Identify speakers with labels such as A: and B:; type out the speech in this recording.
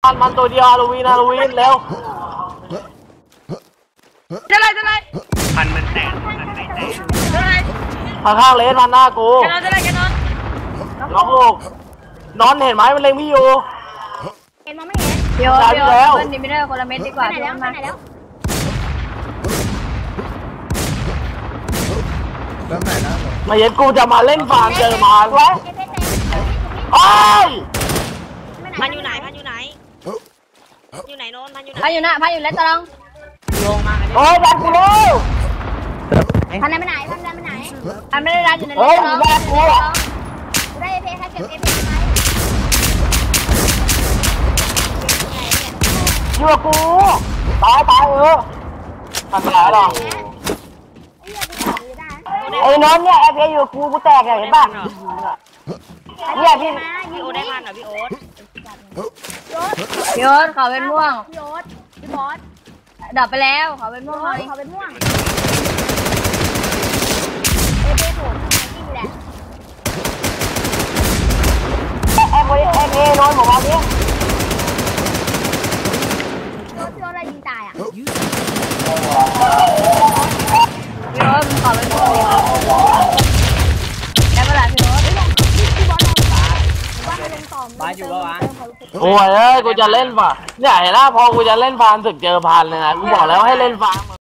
A: มันตัวเดียวฮาโลวีนเร็ว
B: จะไร
C: พันมันแตกพันไม่แตก
B: จะไร
A: ข้างเลนมันหน้ากู
B: จะไร
A: น้องลูกนอนเห็นไหมมันเล็งพี่อยู่
B: เห็นมองไม่เห็นเดี๋ยวเบิ้ลดิมิเตอร์คนละเม็ดดีกว่าไหนแล้วมาไหนแล้ว
A: มาเห็นกูจะมาเล่นฟาร์มเจอมาวะโอ้ย
D: พันอยู่ไหนอยู่ไหนโน้นพันอยู่ไหน
B: พันอยู่แล้วตะลอง
D: ลงมา
A: โอ้ยดันกูเลย
B: พันได้ไปไหนพันไม่ได้รันอยู่ในเล็กตะลองกูได้เอฟให้เก็บเอฟไหม
A: อยู่กับกูตายทำไรหรอไอ้น้องเนี่ยเอฟอยู่กูแตกเห็นป่ะเนี่ยพี่
D: โอ๊ตได้พันเหรอพี่โอ๊ต
B: พี่โอ๊ตเขาเป็นม่วงพี่บอสดับไปแล้วเขาเป็นม่วงเขาเป็นม่วงเอฟผมยิ่งแหละ
A: เอโดนผมเอาดิ
B: พี่โอ๊ตอะไรยิงตายอ่ะพี่โอ๊ตเขาเป็นม่วงได้เวลาพี่โอ๊ตพี่บอสลงต่อ
D: บ้านอยู่ปะวะ
A: โอ้ยกูจะเล่นป่ะเนี่ยเห็นไหมพอกูจะเล่นฟาร์มศึกเจอพันเลยนะกูบอกแล้วให้เล่นฟาร์ม